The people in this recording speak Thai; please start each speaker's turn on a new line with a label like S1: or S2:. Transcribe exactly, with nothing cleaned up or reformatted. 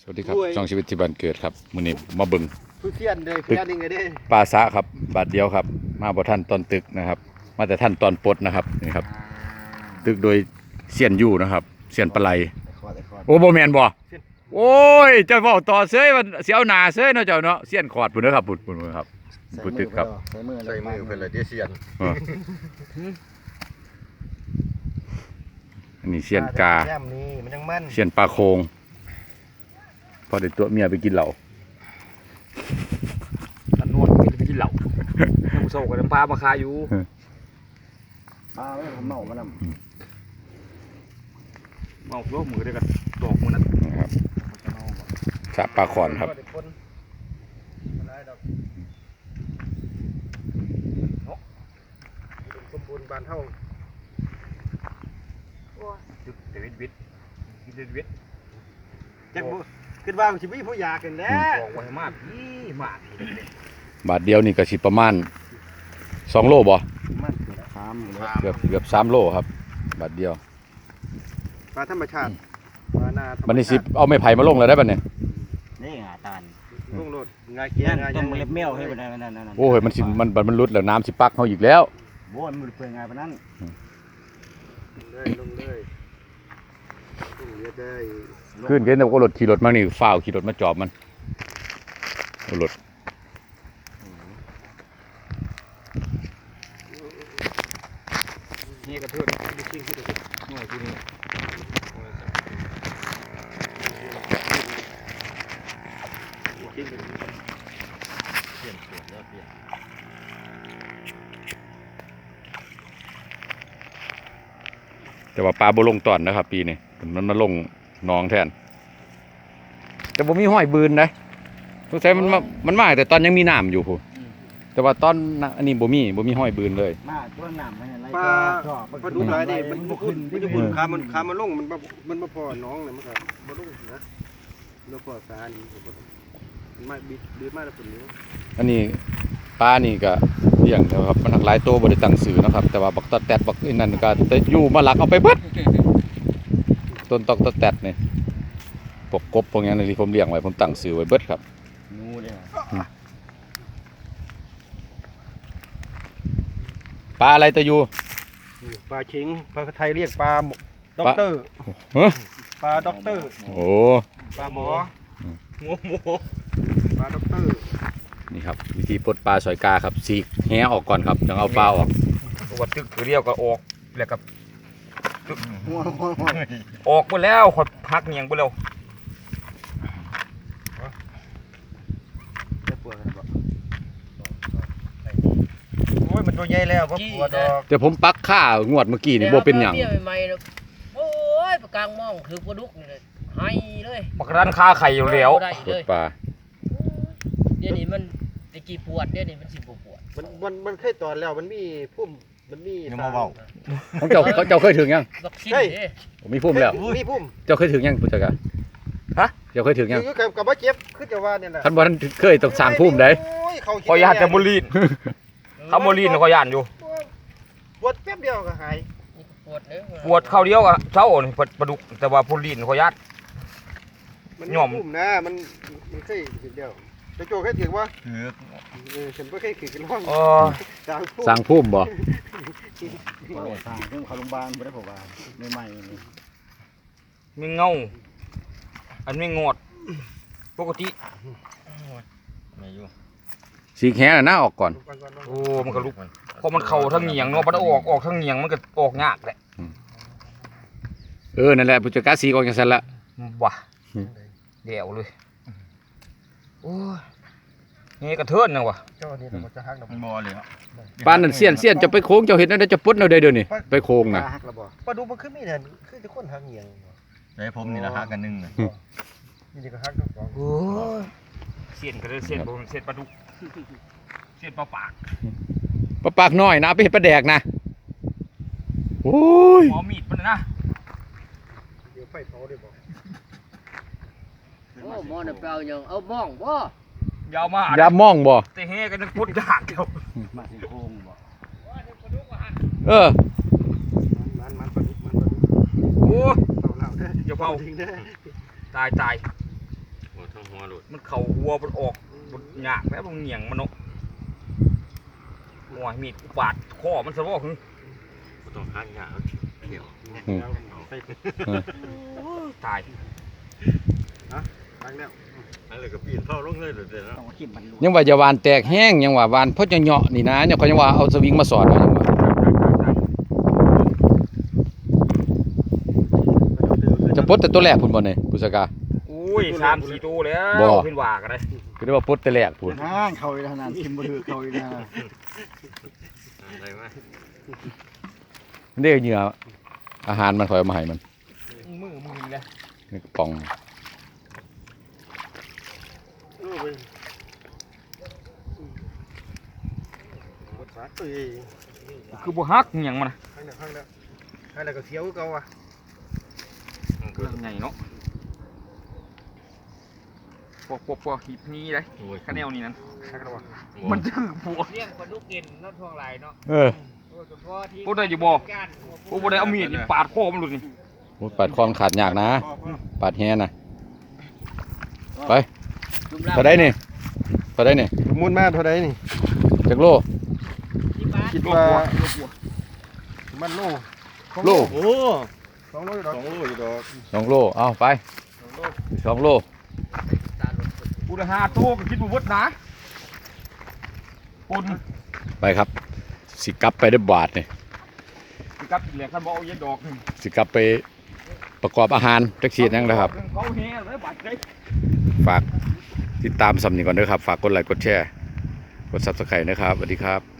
S1: วัสดีครับช่องชีวิตที่บ้านเกิดครับมื้อนี้มาเบิ่ง
S2: ผู้เสียนเด้อเสียนยังไงเด้อ
S1: ปลาสะครับบาทเดียวครับมาบ่ทันตอนตึกนะครับมาแต่ท่านตอนปลดนะครับนี่ครับตึกโดยเสียนอยู่นะครับเสียนปลาไหลโอ้บ่แม่นบ่โอ้ยเจ้าเว้าต่อเซ้ยมันสิเอาหน้าเซ้ยเนาะเจ้าเนาะเสียนขอดพุ่นเด้อครับพุ่นพุ่นครับพุ่นตึกครับ
S2: ใส่มือใส่มือเพิ่นเลยเด้อเสียน
S1: อันนี้เสียนกา
S2: แก้มนี่มันยังมัน
S1: เสียนปลาโคงพอได้ตัวเมียไปกินเหล้า
S3: ตันนวดไปกินเหล้าน้ำโซ่กับน้ำปลามาคาอยู่
S2: ปลาไม่ทำเมามันนำ
S3: เมาโลกมือได้กันดอกมันนั่น
S1: ครับสะปลาขอนครับ
S2: สมบูรณ์บานเท่า
S3: จุดเดวิดวิทกินเดวิด
S2: จังบ่คิดว่ามันสิมีผู้อยากกันแหล้ว
S3: บอกไว้มากนี่มาก
S1: บาทเดียวนี่ก็สิประมาณสองโลบ่
S2: สาม
S1: เกือบเกือบสามโลครับบาทเดียว
S2: ปลาธรรมชาติปลานา
S1: บัดนี้สิเอาไม้ไผ่มาลงแล้วได้บัดนี้
S4: นี่งาตาล
S2: ลงโลดงาเกี้ยงา
S4: ต้มเล็บเมี่ยวให้ไปนั่นนั่น
S1: โอ้ยมันสิมันมันรุดแล้วน้ำสิปักเฮาอีกแล้ว
S4: โบ้มันเปื่อยงาไปนั่น
S2: เลยลงเลยลงเรือได้
S1: ขึ้นเกินแต่ก็รถขี่รถมานี่ฝ้าวขี่รถมาจอบมันรถ
S3: นี่กระเทือนดูชิ้นที่ดูหน่อยที่นี่
S1: แต่ว่าปลาบ่ลงตอนนะครับปีนี้มันมาลงหนองแทนแต่บ่มีห้อยบืนนะสงสัยมันมามันมาแต่ตอนยังมีน้ำอยู่พู่แต่ว่าตอนอันนี้บ่มีบ่มีห้อยบืนเลย
S4: มาต้นน้ำมันอะไร
S2: ปลาปลาดุกหลายนี่มันบ่ขึ้นมันจะบุญคามันคามันลงมันมันมาพอน้องเลยมันก็บ่ลงนะแล้วพอสานี่มันมาบิดบิดมาแล้วผลนี้
S1: อันนี้ปลานี่ก็เลี้ยงนะครับมันหลากหลายตัวบ่ได้ตั้งชื่อนะครับแต่ว่าบักตอแตดบักอีนั่นก็อยู่มาหลักเอาไปเบิดต้นตอกตอแตดนี่พวกกบพวกนี้นที่ผมเลี้ยงไว้ผมตั้งชื่อไว้เบิดครับ
S4: งูเด้อ
S1: ปลาอะไรตะยู
S2: ปลาชิงปลาไทยเรียกปลาด็อกเตอร์ปลาด็อกเตอร์
S1: โอ้
S2: ปลาหมอหมูหมูปลาด็อกเตอร์
S1: นี่ครับวิธีปลดปลาสอยกาครับสีกแหออกก่อนครับต้องเอาปลาออก
S3: ตัวตึกคือเรียวก็ออกแล้วกับออกไปแล้วขดพักเงียงไปแล้ว
S2: โอ้ยมันตัวใหญ่แล้วก็กลัวดอก
S1: แต่ผมปักค่างวดเมื่อกี้นี่บ่เป็นหยัง
S5: ใหม่ๆโอ้ยปลากลางมองคือปลาดุกนี่เลยให้เลย
S3: ปักร้านค้าไข่อยู่แล้ว
S1: ปลดปลา
S5: เดี๋ยวนี้มันตะกี้ปวดเดี๋ยวนี้มันสิบ่ปวด
S2: มันมันมันเคยตอนแล้วมันมีพุ่มมันมี
S4: ยังมาเบา
S1: ของเจ้าเขาเจ้าเคยถึงยัง
S5: ใช่
S1: ผมมีพุ่มแล้ว
S2: มีพุ่ม
S1: เจ้าเคยถึงยังพุทธกาฮะเจ้าเคยถึงยัง
S2: คือกับกับว่าเจ็บคือจะว่าเนี่ยนะ
S1: ท่านบ่ท่านเคยต้องสร้างพุ่มได้
S3: ขอยานแต่บุรีข้าวโมลีนขอยานอยู่
S2: ปวดแป๊บเดียวก็หาย
S5: ปวดเนี่ย
S3: ปวดข้าวเดียวอะเช้าอ่อนปวดปลาดุกแต่ว่าบุรีนขอยาน
S2: มันย่อมพุ่มนะมันมันเคยถึงเดียวจะโจเคยถึงว่าเออฉันก็เคยถึงกันร่อง
S1: สร้างพุ่มบ่
S4: สร้างพุ่มเข้าโรงพยาบาลไม่ได้ผมว่าใหม่ๆนี่
S3: มีเงาอันไม่งอดปกติ
S4: ไม่อยู่
S1: สีแข็งน่ะหน้าออกก่อน
S3: โอ้มันก็ลุกพอมันเข่าทั้งเหงียงเนาะมันออกออกทั้งเหงียงมันก็ออกยากแหละ
S1: เออนั่นแหละผู้จัดการสีออกอย่างนั้นละ
S3: ว่ะเดี๋ยวเลยโอ้ยนี่กระเทือนนะวะ
S2: เจ้านี่มันจะหักเรา
S4: บ่เลย
S1: ปานนั่นเสี้ยนเสี้ยนจะไปโค้งเจ้าเห็นนั่นจะปุ๊ดเอาได้เดี๋ยวนี้ไปโค้งน่ะ
S2: ปลาดุกมันขึ้นไม่เนี่ยคือจะคนหักเหงียง
S4: ได้ผมนี่ละหักกันนึงน่ะ
S2: นี่ก็หักทั้งสอง
S3: โอ้ยเสี้ยนก็เลยเสี้ยนบ่เสี้ยนปลาดุกเสี้ยนปลาปาก
S1: ปลาปากน้อยนะไปเห็ดปลาแดกนะโอ้ย
S3: หมอมีดมันนะ
S2: เดี๋ยวไฟเผาได้บ่
S5: โอ้หมอน่ะเปล่ายังเอามองบ่
S3: ยาวมาก
S1: ยามองบ่
S3: แต่เฮกันนึกพุทธยากเดียว
S4: มาสิโค้งบ่
S1: เออ
S2: มันมันปลาดุกมันปลาดุก
S3: โอ้
S2: เผาแล้วเด้อ
S3: อย่าเผา
S2: จริงเด้อ
S3: ตายตาย
S2: ทั้งหัวหลุด
S3: มันเข่าหัวมันออกมันหยากแล้วมันเหนียงมันเนาะหัวมีดกูปาดคอมันซะบ่คือ
S2: บ่ต้องหาหยาเขียว
S1: อืม
S3: ตาย
S2: ตั้งแล้วอันเลยก็ปีนเข้าลงเลยเด้อเนาะ
S4: ต้องขีบมัน
S1: ยังว่าอย่าวานแตกแห้งยังว่าวานเพราะจะเหาะนี่นะเนี่ยเขายังว่าเอาสวิงมาสอดเอายังว่าจะปลดแต่ตัวแรกพุ่นบ่เนี่ยปุษกา
S3: อุ้ยสามสี่ตัวแล้ว
S1: บ่
S3: เป็นว่ากันเลย
S1: คือได้ว่าปลดแต่แรกพุ่น
S4: ห้างเขาอีกขนาดทิมบ่ถือเขาอีกนะ
S2: อะไรมา
S1: มันได้เหงื่ออาหารมันคอยเอามาให้มัน
S3: มือมือเลย
S1: นี่กระป๋อง
S2: โอ้ยบดสาตุย
S3: คือบ่ฮักเหนียงมันนะ
S2: ข้างแล้วข้างแล้วข้างแล้วก็เสียวคือเก่าอ่ะ
S3: เรื่องไงเนาะปอกปอกปอกหีบนี้เลยข้าแนวนี้นั่น
S2: ข้างแล้วว่ะ
S3: มันถือผัว
S5: เลี้ยงปลาดุกกินน้ำทองไหลเนาะ
S1: เออ
S5: โอ้เฉพาะที่
S3: โอ้ได้อยู่บ่
S5: การ
S3: โอ้บ่ได้เอามีดนี่ปาดคอมันหลุดนี่
S1: โอ้ยปาดคอมันขาดยากนะปาดแฮนะไปเท่าไดนี่เท่าไดนี่
S2: มูลมาเท่าใดนี่
S1: จักโล
S5: ที่บ้าน
S2: คิด
S3: โล
S2: ว่า
S3: ผัวโลผัว
S2: มันโล
S1: โล
S2: โอ้สองโลอยู่ดอกสองโลอยู่ดอก
S1: สองโลเอาไปสองโล
S3: กูได้ห้าตัวก็คิดว่าวัดนะปน
S1: ไปครับสิกลับไปได้บาทนี่
S3: กับอีกแหละคันบ่เอาเย็นดอกนี่
S1: สิกลับไปประกอบอาหารจักชีดนั่งนะครับ
S3: เขาแห่เลยบาดเลย
S1: ฝากติดตามสำนีก่อนด้วยครับ ฝากกดไลค์กดแชร์ กด ซับสไครบ์ นะครับสวัสดีครับ